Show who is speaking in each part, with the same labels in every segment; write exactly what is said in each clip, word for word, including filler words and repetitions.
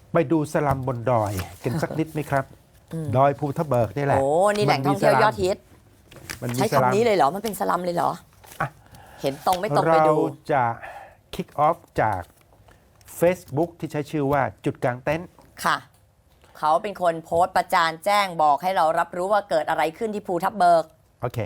Speaker 1: ไปดูสลัมบนดอยกันสักนิดไหมครับ ดอยภูทับเบิกนี่แหละ
Speaker 2: โอ้นี่แหล่งท่องเที่ยวยอดฮิต
Speaker 1: มันมี
Speaker 2: ใช้
Speaker 1: สลัม
Speaker 2: คำนี้เลยเหรอ มันเป็นสลัมเลยเหรอ
Speaker 1: อ่ะ
Speaker 2: เห็นตรงไม่ตรงไป
Speaker 1: เรา
Speaker 2: ดู
Speaker 1: จะ kick off จาก Facebook ที่ใช้ชื่อว่าจุดกลางเต็นท์
Speaker 2: ค่ะ เขาเป็นคนโพสต์ประจานแจ้งบอกให้เรารับรู้ว่าเกิดอะไรขึ้นที่ภูทับเบิก
Speaker 1: โอเค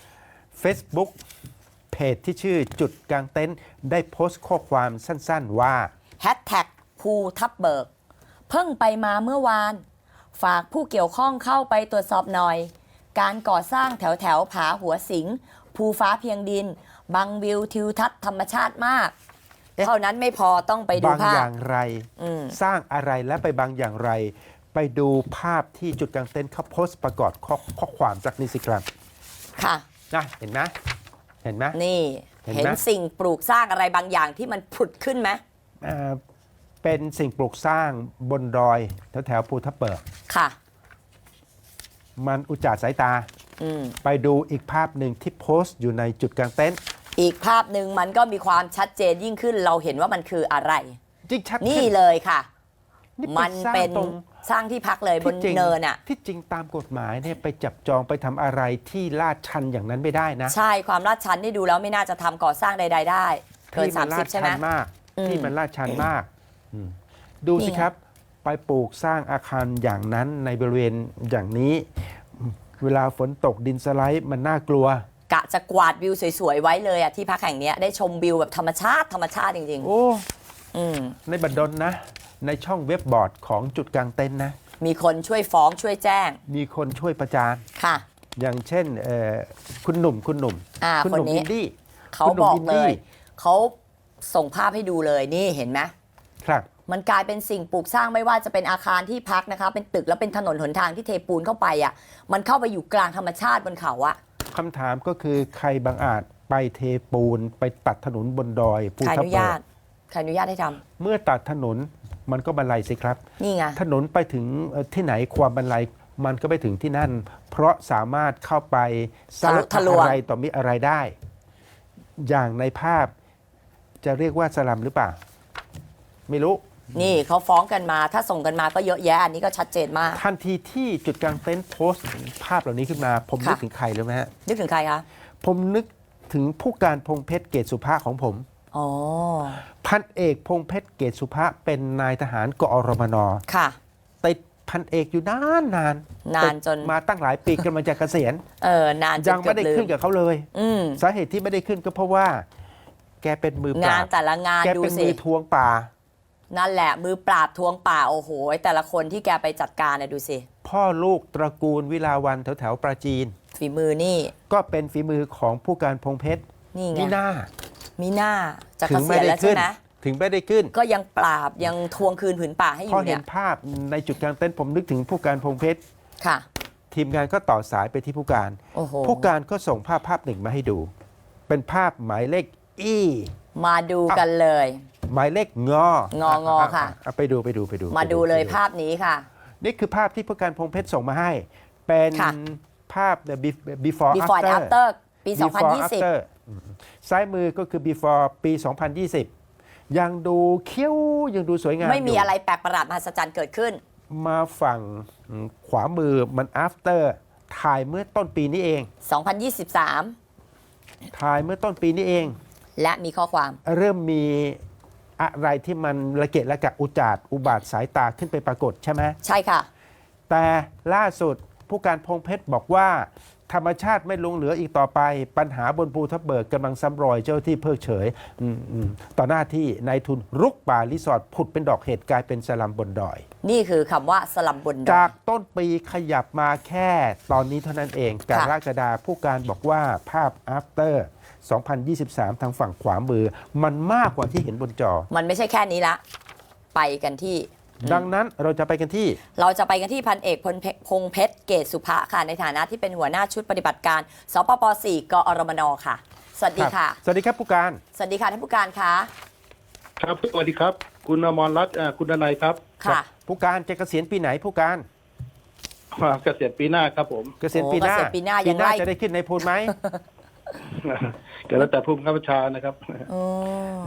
Speaker 1: Facebook เพจที่ชื่อจุดกลางเต็นท์ได้โพสต์ข้อความสั้นๆว่า
Speaker 2: แฮชแท็กภูทับเบิก เพิ่งไปมาเมื่อวาน ฝากผู้เกี่ยวข้องเข้าไปตรวจสอบหน่อย การก่อสร้างแถวแถวผาหัวสิง ภูฟ้าเพียงดิน บังวิวทิวทัศน์ธรรมชาติมาก
Speaker 1: เอ๊ะ
Speaker 2: เท่านั้นไม่พอต้องไปดู
Speaker 1: บาง
Speaker 2: ภา
Speaker 1: อ
Speaker 2: พ
Speaker 1: ย่างไร
Speaker 2: อืม
Speaker 1: สร้างอะไรและไปบางอย่างไร ไปดูภาพที่จุดกลางเต็นท์เขาโพสต์ประกอบข้อข้อความจากนิสิครับ
Speaker 2: ค่ะ
Speaker 1: นะเห็นไหมเห็นไหม
Speaker 2: นี่
Speaker 1: เห็นไหม
Speaker 2: เห็นสิ่งปลูกสร้างอะไรบางอย่างที่มันผุดขึ้นไหม
Speaker 1: เอ่อเป็นสิ่งปลูกสร้างบนดอยแถวแถวๆภูทับเบิก
Speaker 2: ค่ะ
Speaker 1: มันอุจจาระสายตา
Speaker 2: อืม
Speaker 1: ไปดูอีกภาพหนึ่งที่โพสต์อยู่ในจุดกลางเต็นท์
Speaker 2: อีกภาพหนึ่งมันก็มีความชัดเจนยิ่งขึ้น เราเห็นว่ามันคืออะไร
Speaker 1: จริงชัด
Speaker 2: นี่
Speaker 1: ขึ้น
Speaker 2: เลยค่ะ
Speaker 1: นี่
Speaker 2: มัน
Speaker 1: สร้าง
Speaker 2: เป็น
Speaker 1: ตรง
Speaker 2: สร้างที่พักเลยบน
Speaker 1: ที่จริง
Speaker 2: เนินอ่ะ
Speaker 1: ที่จริงตามกฎหมายเนี่ยไปจับจองไปทำอะไรที่ลาดชันอย่างนั้นไม่ได้นะ
Speaker 2: ใช่ความลาดชันนี่ดูแล้วไม่น่าจะทำก่อสร้างใด ๆ ได้ เกิน
Speaker 1: ที่มันลา
Speaker 2: สามสิ
Speaker 1: ด
Speaker 2: บใช่ไหม
Speaker 1: ชันมาก
Speaker 2: อืม
Speaker 1: ที่มันลาดชันมากอืมดูสิ
Speaker 2: นี่ไง
Speaker 1: ครับ ไปปลูกสร้างอาคารอย่างนั้นในบริเวณอย่างนี้ เวลาฝนตกดินสไลด์มันน่ากลัว
Speaker 2: กะจะกวาดวิวสวยๆไว้เลยอ่ะที่พักแห่งเนี้ยได้ชมวิวแบบธรรมชาติธรรมชาติจริง
Speaker 1: โอ้
Speaker 2: ๆ อืม
Speaker 1: ในบัดดลนะ ในช่องเว็บบอร์ดของจุดกลางเต็นท์นะ
Speaker 2: มีคนช่วยฟ้องช่วยแจ้ง
Speaker 1: มีคนช่วยประจาน
Speaker 2: ค่ะ
Speaker 1: อย่างเช่นเอ่อคุณหนุ่มคุณหนุ่ม
Speaker 2: อ่า
Speaker 1: คุณ
Speaker 2: ค
Speaker 1: ห
Speaker 2: น
Speaker 1: นุ่ม
Speaker 2: นี้
Speaker 1: อินดี้
Speaker 2: เขา
Speaker 1: คุณหนุ่
Speaker 2: บ
Speaker 1: ม
Speaker 2: อก
Speaker 1: อิน
Speaker 2: เล
Speaker 1: ดี้
Speaker 2: ย เขาส่งภาพให้ดูเลยนี่เห็นไหม
Speaker 1: ครับ
Speaker 2: มันกลายเป็นสิ่งปลูกสร้างไม่ว่าจะเป็นอาคารที่พักนะคะ เป็นตึกแล้วเป็นถนนหนทางที่เทปูนเข้าไปอ่ะ มันเข้าไปอยู่กลางธรรมชาติบนเขาอ่ะ
Speaker 1: คำถามก็คือใครบางอาจไปเทปูนไปตัดถนนบนดอยภู
Speaker 2: ใครอ
Speaker 1: ทับ
Speaker 2: นุ
Speaker 1: เบิ
Speaker 2: ญาก ตใครอนุญาตให้ทำ
Speaker 1: เมื่อตัดถนนมันก็บรรลัยสิครับ
Speaker 2: นี่ไง
Speaker 1: ถนนไปถึงเอ่อที่ไหนความบรรลัยมันก็ไปถึงที่นั่น เพราะสามารถเข้าไปสร้าง
Speaker 2: ทะลวง
Speaker 1: อะไรต่อมีอะไรได้ อย่างในภาพจะเรียกว่าสลัมหรือเปล่า ไม่รู้
Speaker 2: นี่เขาฟ้องกันมา ถ้าส่งกันมาก็เยอะแยะ อันนี้ก็ชัดเจนมาก
Speaker 1: ทันทีที่จุดกลางเต็นท์โพสต์ภาพเหล่านี้ขึ้นมา ผมนึก
Speaker 2: ค่ะ
Speaker 1: ถึงใครเลยไหมฮะ
Speaker 2: นึกถึงใครคะ
Speaker 1: ผมนึกถึงผู้การพงเพชรเกตสุภาของผม
Speaker 2: อ๋อ
Speaker 1: พันเอกพงเพชรเกตสุภาเป็นนายทหารกอรมน
Speaker 2: ค่ะ
Speaker 1: ติดพันเอกอยู่นานนาน
Speaker 2: นานจน
Speaker 1: ติดมาตั้งหลายปีกำลังจะเกษียณ
Speaker 2: เออนานจ
Speaker 1: ยั
Speaker 2: น
Speaker 1: ง
Speaker 2: เกื
Speaker 1: ไม่
Speaker 2: อบ
Speaker 1: ได้
Speaker 2: ลื
Speaker 1: ขึ้
Speaker 2: ม
Speaker 1: นกับเขาเลย
Speaker 2: อืม
Speaker 1: สาเหตุที่ไม่ได้ขึ้นก็เพราะว่า แกเป็นมือป
Speaker 2: งา
Speaker 1: รา
Speaker 2: น
Speaker 1: บ
Speaker 2: แต่ละงาน
Speaker 1: แก
Speaker 2: ดู
Speaker 1: เป็น
Speaker 2: สิ
Speaker 1: มือทวงป่า
Speaker 2: นั่นแหละมือปราบทวงป่าโอ้โห แต่ละคนที่แกไปจัดการนะดูสิ
Speaker 1: พ่อลูกตระกูลวิลาวันแถวแถวๆปราจีน
Speaker 2: ฝีมือนี่
Speaker 1: ก็เป็นฝีมือของผู้การพงเพชร
Speaker 2: นี่ไง
Speaker 1: นี่หน้า
Speaker 2: มีหน้าจะ
Speaker 1: ถึ
Speaker 2: เก
Speaker 1: ง
Speaker 2: ษี
Speaker 1: ไม่
Speaker 2: ยณ
Speaker 1: ได้
Speaker 2: แล้วใช่
Speaker 1: ขึ้น
Speaker 2: ไหม
Speaker 1: ถึงไม่ได้ขึ้น
Speaker 2: ก็ยังปราบยังทวงคืนผืนป่าให้อ
Speaker 1: พอยู่ เห็
Speaker 2: เนี่
Speaker 1: น
Speaker 2: ย
Speaker 1: ภาพในจุดกลางเต็นท์ผมนึกถึงผู้การพงเพชร
Speaker 2: ค่ะ
Speaker 1: ทีมงานก็ต่อสายไปที่ผู้การ
Speaker 2: โอ้โห
Speaker 1: ผู้การก็ส่งภาพภาพหนึ่งมาให้ดู เป็นภาพหมายเลขอี
Speaker 2: มาดูกันเลย
Speaker 1: หมายเลขงอง
Speaker 2: องอค่ะ
Speaker 1: อ่ไปดูไปดูไปดู
Speaker 2: มาดูเลย
Speaker 1: ไป
Speaker 2: ภาพนี้ค่ะ
Speaker 1: นี่คือภาพที่ผู้การพงเพชรส่งมาให้ เป็น
Speaker 2: ค่ะ
Speaker 1: ภาพ before
Speaker 2: before and
Speaker 1: after
Speaker 2: after ปี สองพัน
Speaker 1: before
Speaker 2: ยี่สิบ
Speaker 1: after อืมซ้ายมือก็คือ before ปี สองพันยี่สิบ ยังดูเขี้ยวยังดูสวยงาม
Speaker 2: ไม่มี
Speaker 1: ยู่
Speaker 2: อะไรแปลกประหลาดมหัศจรรย์เกิดขึ้น
Speaker 1: มาฝั่งอืมขวามือมัน after ถ่ายเมื่อต้นปีนี้เอง
Speaker 2: สองพันยี่สิบสาม
Speaker 1: ถ่ายเมื่อต้นปีนี้เอง
Speaker 2: และมีข้อความ
Speaker 1: เริ่มมีอะไรที่มันระเกะระกะอุจจาดอุบาทสายตาขึ้นไปปรากฏใช่ไหม
Speaker 2: ใช่ค่ะ
Speaker 1: แต่ล่าสุดผู้การพงเพชรบอกว่า ธรรมชาติไม่ลงเหลืออีกต่อไป ปัญหาบนภูทับเบิกกำลังซ้ำรอยเจ้าที่เพิกเฉยอมอมต่อหน้าที่นายทุนรุกป่ารีสอร์ทผุดเป็นดอกเห็ดกลายเป็นสลัมบนดอย
Speaker 2: นี่คือคำว่าสลัมบนดอ
Speaker 1: จาย กต้นปีขยับมาแค่ตอนนี้เท่านั้นเองกรกฎาผู้การบอกว่าภาพ after สองพันยี่สิบสาม ทางฝั่งขวามือ มันมากกว่าที่เห็นบนจอ
Speaker 2: มันไม่ใช่แค่นี้ละ ไปกันที่
Speaker 1: ดังนั้นเราจะไปกันที่
Speaker 2: เราจะไปกันที่พันเอกพลเพพงเพชรเกตสุภะค่ะในฐานะที่เป็นหัวหน้าชุดปฏิบัติการสปป สี่ กอรมนค่ะ สวัสดีค่ะ
Speaker 1: สวัสดีครับผู้การ
Speaker 2: สวัสดีค่ะท่านผู้การคะ
Speaker 3: ครับสวัสดีครับ คุณอมรรัตน์อ่าคุณดนัยครับ
Speaker 2: ค่ะ
Speaker 1: ผู้การจะเกษียณปีไหนผู้การ
Speaker 3: อ่าเกษียณปีหน้าครับผม
Speaker 1: เกษียณปีหน้า
Speaker 2: โอ้เกษียณปีหน้ายังไล่
Speaker 1: จะได้ขึ้นในพูนไหม
Speaker 3: ก็แล้วแต่ผู้บังคับบัญชานะครับ
Speaker 2: อ๋อ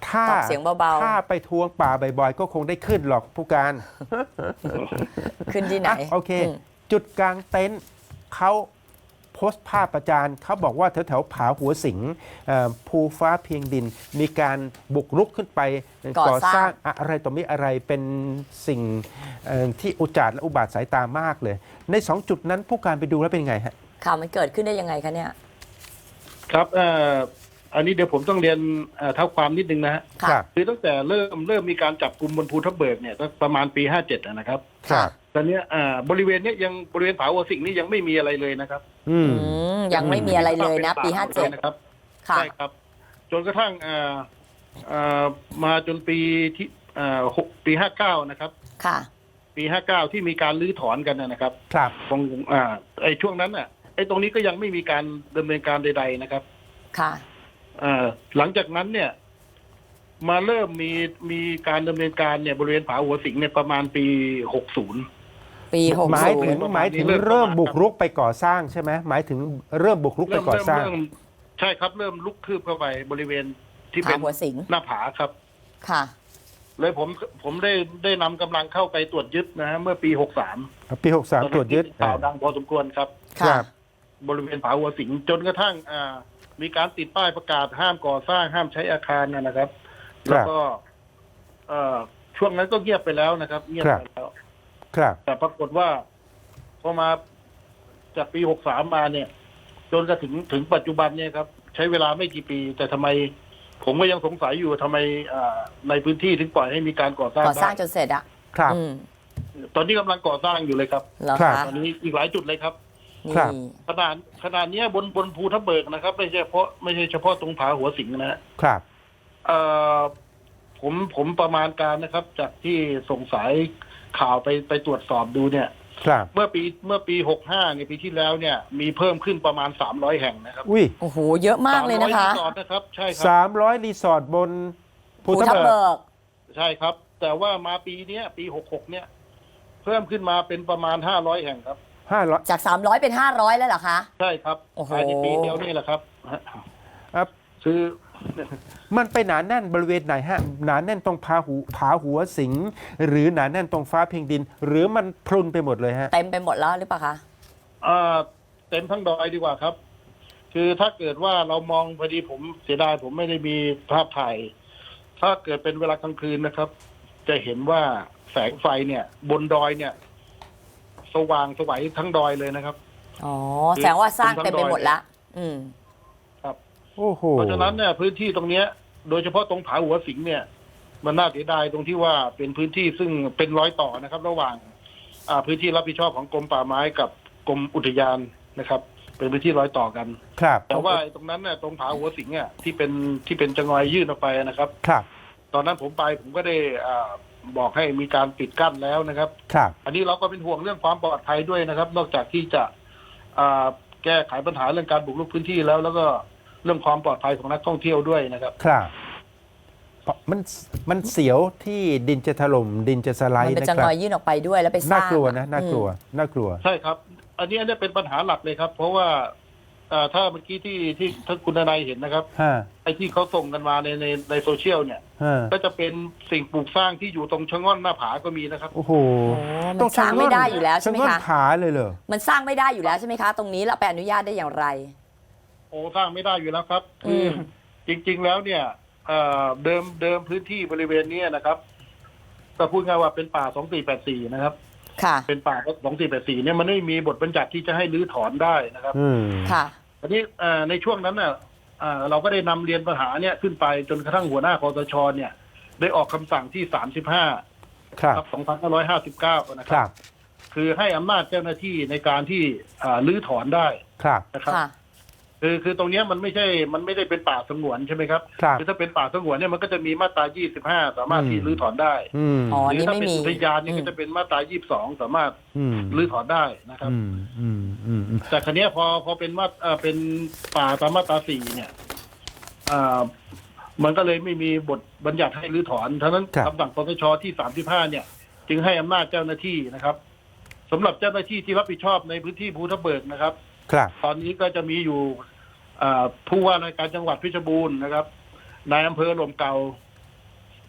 Speaker 1: ถ้า
Speaker 2: ตอบเสียงเบาๆ
Speaker 1: ถ้าไปทวงป่าบ่อยๆ ก็คงได้ขึ้นหรอกผู้การ
Speaker 2: ขึ้นที่ไหน
Speaker 1: อ่ะโอเค
Speaker 2: อืม
Speaker 1: จุดกลางเต็นท์เขาโพสต์ภาพประจานเขาบอกว่าแถวๆผาหัวสิงเอ่อภูฟ้าเพียงดิน มีการบุกรุกขึ้นไป
Speaker 2: ก่อสร้าง
Speaker 1: อะไรต่อมีอะไรเป็นสิ่งเอ่อที่อุจจาระและอุบาทสายตามากเลย ในสองจุดนั้นผู้การไปดูแล้วเป็นไงฮะ
Speaker 2: ข่าวมันเกิดขึ้นได้ยังไงคะเนี่ย
Speaker 3: ครับเอ่ออันนี้เดี๋ยวผมต้องเรียนเอ่อเท้าความนิดนึงนะฮะ
Speaker 2: ค่ะ
Speaker 1: ครับ
Speaker 3: คือตั้งแต่เริ่มเริ่มมีการจับกลุ่มบนภูทับเบิกเนี่ยตั้งประมาณปีห้าเจ็ดนะครับ
Speaker 1: ครับ
Speaker 3: ตอนเนี้ยอ่าบริเวณเนี้ยยังบริเวณผาหัวสิงนี่ยังไม่มีอะไรเลยนะครับ
Speaker 1: อืม
Speaker 2: อืม ยังไม่มีอะไรเลยนะ ปีห้าเจ็ด
Speaker 3: นะครับ
Speaker 2: ค่ะ
Speaker 3: ใช่ครับ จนกระทั่งอ่าอ่ามาจนปีที่อ่าหกปีห้าเก้านะครับ
Speaker 2: ค่ะ
Speaker 3: ปีห้าเก้าที่มีการรื้อถอนกันนะครับ
Speaker 1: ครับ
Speaker 3: ตรงอ่าไอ้ช่วงนั้นน่ะไอ้ตรงนี้ก็ยังไม่มีการดำเนินการใดๆนะครับ
Speaker 2: ค่ะ
Speaker 3: อ่าหลังจากนั้นเนี่ย มาเริ่มมีมีการดำเนินการเนี่ยบริเวณผาหัวสิงเนี่ยประมาณปีหกสิบ
Speaker 2: ปีหก
Speaker 1: หมาย
Speaker 2: ศู
Speaker 1: ถึ
Speaker 2: น
Speaker 1: ง
Speaker 2: ย์
Speaker 3: ประมาณ
Speaker 1: หมายถึง
Speaker 3: นี้เริ่ม
Speaker 1: เริ่ม
Speaker 3: ประมาณ
Speaker 1: บุกรุกไปก่อสร้างใช่ไหมหมายถึงเริ่มบุกรุกไป
Speaker 3: เริ่ม
Speaker 1: ก่อ
Speaker 3: เริ่ม
Speaker 1: สร้าง
Speaker 3: เริ่มใช่ครับ เริ่มลุกคืบเข้าไปบริเวณที่
Speaker 2: ผา
Speaker 3: เป็น
Speaker 2: หัวสิง
Speaker 3: หน้าผาครับ
Speaker 2: ค่ะ
Speaker 3: เลยผมผมได้ได้นำกำลังเข้าไปตรวจยึดนะฮะเมื่อปีหกสาม
Speaker 1: ปีหกสามตรวจยึด
Speaker 3: ข่าวดังพอสมควรครับ
Speaker 1: ค
Speaker 2: ค่ะ
Speaker 1: รับ
Speaker 3: บริเวณผาหัวสิงจนกระทั่งอ่ามีการติดป้ายประกาศห้ามก่อสร้างห้ามใช้อาคารนะนะครับ แล้วก็เอ่อช่วงนั้นก็เงียบไปแล้วนะครับ เงียบไปแล้ว
Speaker 1: ครับ
Speaker 3: แต่ปรากฏว่าพอมาจากปีหกสามมาเนี่ย จนกระถึงถึงปัจจุบันเนี่ยครับ ใช้เวลาไม่กี่ปี แต่ทำไม ผมก็ยังสงสัยอยู่ทำไมอ่าในพื้นที่ถึงปล่อยให้มีการก่อสร้าง
Speaker 2: ก่อสร้าง
Speaker 3: ได้
Speaker 2: จนเสร็จอะ
Speaker 1: ครับ
Speaker 2: อืม
Speaker 3: ตอนนี้กำลังก่อสร้างอยู่เลยครับ
Speaker 2: เหรอ
Speaker 1: ครับ
Speaker 2: คะ
Speaker 3: ตอนนี้อีกหลายจุดเลยครับ
Speaker 1: ครับ
Speaker 2: นี่
Speaker 3: ขนาดขนาดเนี้ยบนบนภูทับเบิกนะครับ ไม่ใช่เฉพาะไม่ใช่เฉพาะตรงผาหัวสิงนะฮะ
Speaker 1: ครับ
Speaker 3: เอ่อผมผมประมาณการนะครับ จากที่ส่งสายข่าวไปไปตรวจสอบดูเนี่ย
Speaker 1: ครับ
Speaker 3: เมื่อปีเมื่อปีหกห้าในยปีที่แล้วเนี่ย มีเพิ่มขึ้นประมาณสามร้อยแห่งนะครับ
Speaker 1: อุ้ย
Speaker 2: โอ้โห เยอะมากเลยนะคะ
Speaker 3: สามร้อรีสอร์ทนะครับ ใช่ค
Speaker 1: สา
Speaker 3: รับ
Speaker 1: มร้อยรีสอร์ทบนภู
Speaker 2: ภู
Speaker 1: ทั
Speaker 2: ทั
Speaker 1: บบ เบิก
Speaker 2: เบิก
Speaker 3: ใช่ครับ แต่ว่ามาปีเนี้ย ปีหกหกเนี่ย เพิ่มขึ้นมาเป็นประมาณห้าร้อยแห่งครับ
Speaker 1: ห้าร้อย
Speaker 2: จาก สามร้อย เป็น ห้าร้อย แล้วเหรอคะ
Speaker 3: ใช่ครับ
Speaker 2: โอ้โห
Speaker 3: ภายในปีเดียวนี่แหละครับ
Speaker 1: ครับ
Speaker 3: คือ
Speaker 1: มันไปหนาแน่นบริเวณไหนฮะหนาแน่นตรงผาหูผาหัวสิง หรือหนาแน่นตรงฟ้าเพียงดิน หรือมันพรุนไปหมดเลยฮะ
Speaker 2: เต็มไปหมดแล้วหรือเปล่าคะ
Speaker 3: อ่าเต็มทั้งดอยดีกว่าครับ คือถ้าเกิดว่าเรามองพอดีผมเสียดายผมไม่ได้มีภาพถ่าย ถ้าเกิดเป็นเวลากลางคืนนะครับ จะเห็นว่าแสงไฟเนี่ย บนดอยเนี่ย สว่างสวัยทั้งดอยเลยนะครับ
Speaker 2: อ๋อ แสดงว่าสร้างเต็มไปหมดละ อืม
Speaker 1: โอ้โห
Speaker 3: เพราะฉะนั้นเนี่ยพื้นที่ตรงเนี้ย โดยเฉพาะตรงผาหัวสิงเนี่ย มันน่าเสียดายตรงที่ว่าเป็นพื้นที่ซึ่งเป็นร้อยต่อนะครับ ระหว่าง อ่าพื้นที่รับผิดชอบของกรมป่าไม้กับกรมอุทยานนะครับ เป็นพื้นที่ร้อยต่อกัน
Speaker 1: ครับ
Speaker 3: แต่ว่าไอ้ตรงนั้นเนี่ยตรงผาหัวสิงอ่ะที่เป็นที่เป็นจังหวยื่นออกไปนะครับ
Speaker 1: ครับ
Speaker 3: ตอนนั้นผมไปผมก็ได้อ่าบอกให้มีการปิดกั้นแล้วนะครับ
Speaker 1: ครับ
Speaker 3: อันนี้เราก็เป็นห่วงเรื่องความปลอดภัยด้วยนะครับ นอกจากที่จะอ่าแก้ไขปัญหาเรื่องการบุกรุกพื้นที่แล้ว แล้วก็เรื่องความปลอดภัยของนักท่องเที่ยวด้วยนะครับ
Speaker 1: ครับเพราะมันมันเสียวที่ดินจะถล่มดินจะสไล
Speaker 2: มัน
Speaker 1: ด์
Speaker 2: เป็น
Speaker 1: นะ
Speaker 2: จัง
Speaker 1: ครั
Speaker 2: ห
Speaker 1: บ
Speaker 2: วะยื่นออกไปด้วยแล้วไปสร้าง
Speaker 1: น่ากลัวนะน่ากลัว
Speaker 2: อืม
Speaker 1: น่ากลัว
Speaker 3: ใช่ครับ อันนี้อันนี้เป็นปัญหาหลักเลยครับ เพราะว่าอ่าถ้าเมื่อกี้ที่ที่ท่านคุณนายเห็นนะครับ
Speaker 1: ฮะ
Speaker 3: ไอ้ที่เขาส่งกันมาในในในโซเชียลเนี่ย
Speaker 1: ฮะ
Speaker 3: ก็จะเป็นสิ่งปลูกสร้างที่อยู่ตรงชะง่อนหน้าผาก็มีนะครับ
Speaker 1: โอ้โห
Speaker 2: โอ้มันสร้างไม่ได้อยู่แล้วใช่ไหม
Speaker 1: ชะง่อน
Speaker 2: คะ
Speaker 1: ผาเลยเหรอ
Speaker 2: มันสร้างไม่ได้อยู่แล้วใช่ไหมคะ ตรงนี้เราไปอนุญาตได้อย่างไร
Speaker 3: โอ้สร้างไม่ได้อยู่แล้วครับ คืออ
Speaker 2: ม
Speaker 3: จริง ๆ แล้วเนี่ยเอ่อเดิมเดิมพื้นที่บริเวณเนี้ยนะครับก็พูดง่ายว่าเป็นป่าสองสี่แปดสี่นะครับ
Speaker 2: ค่ะ
Speaker 3: เป็นป่าสองสี่แปดสี่เนี่ยมันไม่มีบทบัญญัติที่จะให้รื้อถอนได้นะครับ
Speaker 1: อืม
Speaker 2: ค่ะ
Speaker 3: อันนี้เอ่อในช่วงนั้นน่ะเอ่อเราก็ได้นำเรียนปัญหาเนี่ยขึ้นไปจนกระทั่งหัวหน้าคอสชเนี่ย ได้ออกคำสั่งที่สามสิบห้า
Speaker 1: ครับ
Speaker 3: ครับสองพันห้าร้อยห้าสิบเก้านะค
Speaker 1: ค
Speaker 3: รั
Speaker 1: รับ บ
Speaker 3: คือให้อำนาจเจ้าหน้าที่ในการที่อ่ารื้อถอนได้
Speaker 1: ครับ
Speaker 3: นะครับ
Speaker 2: ค่ะ
Speaker 3: คือคือตรงเนี้ยมันไม่ใช่ มันไม่ได้เป็นป่าสงวนใช่ไหมครับ
Speaker 1: ครับ
Speaker 3: คือถ้าเป็นป่าสงวนเนี่ยมันก็จะมีมาตรายี่สิบห้าสามารถ
Speaker 1: อืม
Speaker 3: ที่รื้อถอนได้
Speaker 1: อืม
Speaker 2: อ๋อ
Speaker 3: หรื
Speaker 2: นี่
Speaker 3: ถ้า
Speaker 2: ไม่
Speaker 3: เป็น
Speaker 2: มี
Speaker 3: อุทยานเนี่ย
Speaker 2: อืม
Speaker 3: ก็จะเป็นมาตรายี่สิบสองสามารถ
Speaker 1: อืม
Speaker 3: รื้อถอนได้นะครับ
Speaker 1: อืมอืมอืมอืม
Speaker 3: แต่ครั้นี้ยพอพอเป็นมาเอ่อเป็นป่าตามมาตราสี่เนี่ยอ่ามันก็เลยไม่มีบทบัญญัติให้รื้อถอนฉะนั้นคำสั่งคสชที่สามสิบห้าเนี่ย จึงให้อำนาจเจ้าหน้าที่นะครับสำหรับเจ้าหน้าที่ที่รับผิดชอบในพื้นที่ภูทับเบิกนะครับ
Speaker 1: ครับ
Speaker 3: ตอนนี้ก็จะมีอยู่อ่าผู้ว่าราชการจังหวัดเพชรบูรณ์นะครับนายอำเภอหล่มเก่า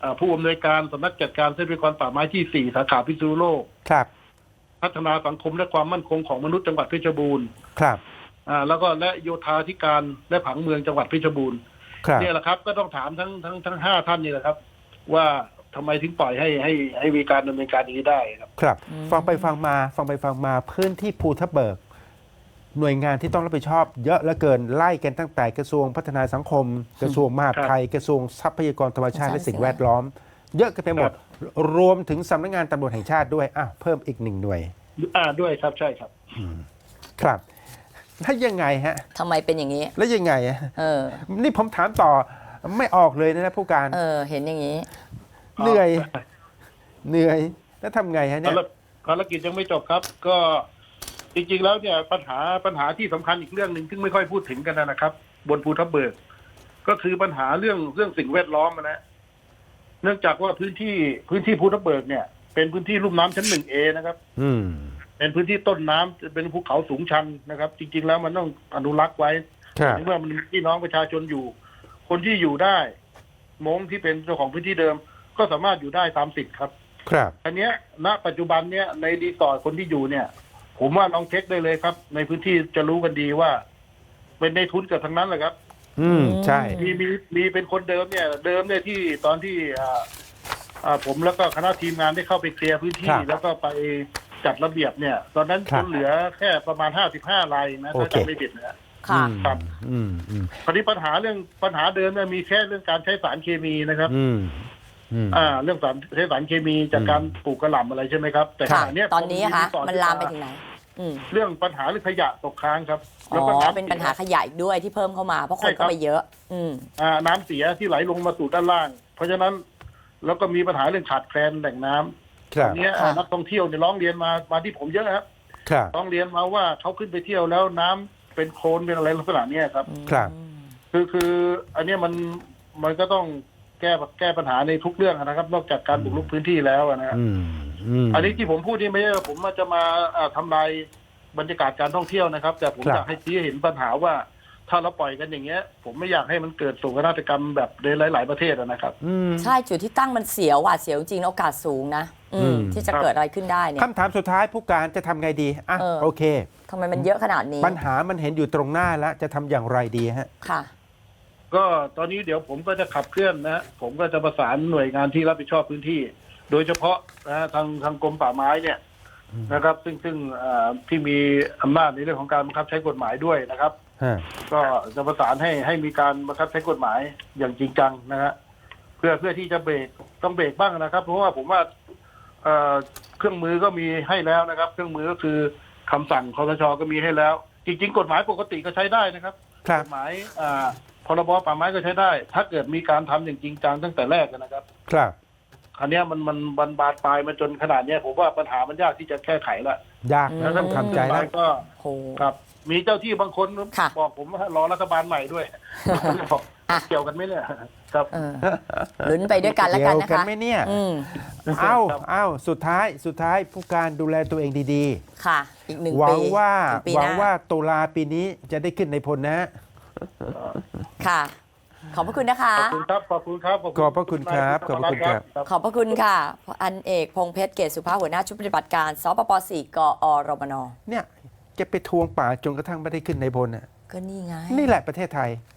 Speaker 3: อ่าผู้อำนวยการสำนักจัดการทรัพยากรป่าไม้ที่สี่สาขาพิษณุโลก
Speaker 1: ครับ
Speaker 3: พัฒนาสังคมและความมั่นคงของมนุษย์จังหวัดเพชรบูรณ์
Speaker 1: ครับ
Speaker 3: อ่าแล้วก็และโยธาธิการและผังเมืองจังหวัดเพชรบูรณ์
Speaker 1: ครับ
Speaker 3: เนี่ยแหละครับก็ต้องถามทั้งทั้งทั้งห้าท่านนี่แหละครับ ว่าทำไมถึงปล่อยให้ให้ให้มีการดำเนินการอย่างนี้ได้ครับ
Speaker 1: ครับ
Speaker 2: อืม
Speaker 1: ฟังไปฟังมาฟังไปฟังมาพื้นที่ภูทับเบิก หน่วยงานที่ต้องรับผิดชอบ เยอะเหลือเกินไล่กันตั้งแต่กระทรวงพัฒนาสังคม กระทรวงมหาดไทย กระทรวงทรัพยากรธรรมชาติและสิ่งแวดล้อม เยอะกันไปหมด รวมถึงสำนักงานตำรวจแห่งชาติด้วยอ่ะเพิ่มอีกหนึ่งหน่วย
Speaker 3: อ่าด้วยครับใช่ครับ
Speaker 1: ครับแล้วยังไงฮะ
Speaker 2: ทำไมเป็นอย่างนี้
Speaker 1: แล้วยังไงอะ
Speaker 2: เออ
Speaker 1: นี่ผมถามต่อไม่ออกเลยนะผู้การ
Speaker 2: เออ เห็นอย่างนี้
Speaker 1: เหนื่อย เหนื่อย แล้วทำไงฮะเนี่
Speaker 3: ภาย รภารกิจยังไม่จบครับ ก็จริงๆแล้วเนี่ยปัญหาปัญหาที่สำคัญอีกเรื่องหนึ่งซึ่งไม่ค่อยพูดถึงกันนะครับ บนภูทับเบิก ก็คือปัญหาเรื่องเรื่องสิ่งแวดล้อมนะเนื่องจากว่าพื้นที่พื้นที่ภูทับเบิกเนี่ยเป็นพื้นที่ลุ่มน้ำชั้นหนึ่งเอนะครับ
Speaker 1: อืม
Speaker 3: เป็นพื้นที่ต้นน้ำเป็นภูเขาสูงชันนะครับ จริงๆแล้วมันต้องอนุรักษ์ไว้
Speaker 1: ครับ
Speaker 3: ถึงว่ามันมีพี่น้องประชาชนอยู่ คนที่อยู่ได้มงที่เป็นเจ้าของพื้นที่เดิม ก็สามารถอยู่ได้ตามสิทธิ์ครับ
Speaker 1: ครับ
Speaker 3: อันเนี้ยณปัจจุบันเนี้ยในรีสอร์ทคนที่อยู่เนี่ย ผมว่าลองเช็คได้เลยครับ ในพื้นที่จะรู้กันดีว่า เป็นในทุนเกือบทั้งนั้นแหละครับ
Speaker 1: อืม ใช่
Speaker 3: มีมีมีเป็นคนเดิมเนี่ย เดิมเนี่ยที่ตอนที่อ่าอ่าผมแล้วก็คณะทีมงานได้เข้าไปเคลียร์พื้นที่
Speaker 1: ครับ
Speaker 3: แล้วก็ไปจัดระเบียบเนี่ย ตอนนั้น
Speaker 1: ครั
Speaker 3: ค
Speaker 1: บ
Speaker 3: นเหลือแค่ประมาณห้าสิบห้ารายนะ
Speaker 1: โอ
Speaker 3: ถ้า
Speaker 1: เค
Speaker 3: จำไม่ผิดนะ
Speaker 2: ค่ะ
Speaker 1: อืม
Speaker 3: ครับ
Speaker 1: อืมอืม
Speaker 3: คราวนี้ปัญหาเรื่องปัญหาเดิมเนี่ยมีแค่เรื่องการใช้สารเคมีนะครับ
Speaker 1: อืมอืม
Speaker 3: อ่า เรื่องสารใช้สารเคมีจากการปลูกกระหล่ำอะไรใช่ไหมครับ แต่ข
Speaker 2: ค่ะ
Speaker 3: ณะเนี้ย
Speaker 2: ตอนนี้
Speaker 3: พ
Speaker 2: อะคะ
Speaker 3: รีสอร์ท
Speaker 2: มันลามไปถึงไหน อืม
Speaker 3: เรื่องปัญหาเรื่องขยะตกค้างครับ
Speaker 2: อ๋
Speaker 3: แล้วก็
Speaker 2: อ
Speaker 3: น้ำ
Speaker 2: เป็นปัญหาขยะอีกด้วยที่เพิ่มเข้ามา เพราะคนก็ไปเยอะ อืม
Speaker 3: อ่าน้ำเสียที่ไหลลงมาสู่ด้านล่าง เพราะฉะนั้นแล้วก็มีปัญหาเรื่องขาดแคลนแหล่งน้ำ
Speaker 1: ครับ
Speaker 3: ตอนเนี้ย
Speaker 2: ค่ะ
Speaker 3: นักท่องเที่ยวเนี่ยร้องเรียนมามาที่ผมเยอะครับ
Speaker 1: ครับ
Speaker 3: ร้องเรียนมาว่าเขาขึ้นไปเที่ยวแล้วน้ำเป็นโคลนเป็นอะไรลักษณะเนี้ยครับ
Speaker 1: ครับ
Speaker 3: คือคืออันเนี้ยมันมันก็ต้องแก้แก้ปัญหาในทุกเรื่องนะครับ นอกจากการบุกรุกพื้นที่แล้วนะฮะ
Speaker 1: อืมอืม
Speaker 3: อันนี้ที่ผมพูดนี่ไม่ใช่ว่าผมจะมาอ่าทำลายบรรยากาศการท่องเที่ยวนะครับ แต่ผม
Speaker 1: ครับ
Speaker 3: อยากให้ชี้ให้เห็นปัญหาว่า ถ้าเราปล่อยกันอย่างเงี้ย ผมไม่อยากให้มันเกิดโศกนาฏกรรมแบบในหลาย ๆประเทศอะนะครับ
Speaker 1: อืม
Speaker 2: ใช่ จุดที่ตั้งมันเสียวหวาดเสียวจริงๆโอกาสสูงนะ อื
Speaker 1: อื
Speaker 2: ม
Speaker 1: ม
Speaker 2: ที่จะเกิดอะไรขึ้นได้เนี่ย
Speaker 1: คำถามสุดท้ายผู้การจะทำไงดีอ่ะ
Speaker 2: เออ
Speaker 1: โอเค
Speaker 2: ทำไมมันเยอะขนาดนี้
Speaker 1: ปัญหามันเห็นอยู่ตรงหน้าแล้ว จะทำอย่างไรดีฮะ
Speaker 2: ค่ะ
Speaker 3: ก็ตอนนี้เดี๋ยวผมก็จะขับเคลื่อนนะฮะผมก็จะประสานหน่วยงานที่รับผิดชอบพื้นที่ โดยเฉพาะนะฮะทางทางกรมป่าไม้เนี่ยนะครับ ซึ่งซึ่งเอ่อที่มีอำนาจในเรื่องของการบังคับใช้กฎหมายด้วยนะครับ
Speaker 1: ฮะ
Speaker 3: ก็จะประสานให้ให้มีการบังคับใช้กฎหมายอย่างจริงจังนะฮะเพื่อเพื่อที่จะเบรกต้องเบรกบ้างนะครับ เพราะว่าผมว่าเอ่อเครื่องมือก็มีให้แล้วนะครับ เครื่องมือก็คือคำสั่งคสชก็มีให้แล้ว จริง ๆ กฎหมายปกติก็ใช้ได้นะครับ
Speaker 1: ครับ
Speaker 3: กฎหมายอ่าพรบป่าไม้ก็ใช้ได้ ถ้าเกิดมีการทำอย่างจริงจังตั้งแต่แรกนะครับ
Speaker 1: ครับ
Speaker 3: อันเนี้ยมันมันมันบานปลายมาจนขนาดเนี้ยผมว่าปัญหามันยากที่จะแก้ไขละ
Speaker 1: ยากนะต้องทำใจ
Speaker 3: แล้
Speaker 1: แล้ว
Speaker 3: วก็
Speaker 2: โห
Speaker 3: ครับ มีเจ้าที่บางคน
Speaker 2: ค่ะ
Speaker 3: บอกผมว่ารอรัฐบาลใหม่ด้วย บอก
Speaker 2: อ่ะ
Speaker 3: เกี่ยวกันไหมเนี่ยครับ
Speaker 2: เออลุ้นไปด้วยกันแล้วกันนะ
Speaker 1: เกี่ยวกั
Speaker 2: คะ
Speaker 1: นไหมเนี่ย
Speaker 2: อืม
Speaker 1: เอ้า
Speaker 3: ครับ
Speaker 1: เอ้าสุดท้ายสุดท้ายผู้การดูแลตัวเองดี
Speaker 2: ค่ะ อีกหนึ่ง
Speaker 1: ๆ หวั
Speaker 2: ปี
Speaker 1: งว่า
Speaker 2: ถึปี
Speaker 1: หวัง
Speaker 2: น้
Speaker 1: ว่าตุลาปีนี้จะได้ขึ้นในพลนะฮะ
Speaker 2: ค่ะ ขอบพระคุณนะคะ
Speaker 3: ขอบคุณครับ ขอบคุณครับ
Speaker 1: ขอบพระคุณครับขอบพระคุณครับ
Speaker 2: ขอบพระคุณค่ะอันเอกพงษ์เพชรเกศสุภาพหัวหน้าชุดปฏิบัติการสปปสี่กอรมน
Speaker 1: เนี่ยจะไปทวงป่าจนกระทั่งไม่ได้ขึ้นในพลน่ะ
Speaker 2: ก็นี่ไง
Speaker 1: นี่แหละประเทศไทย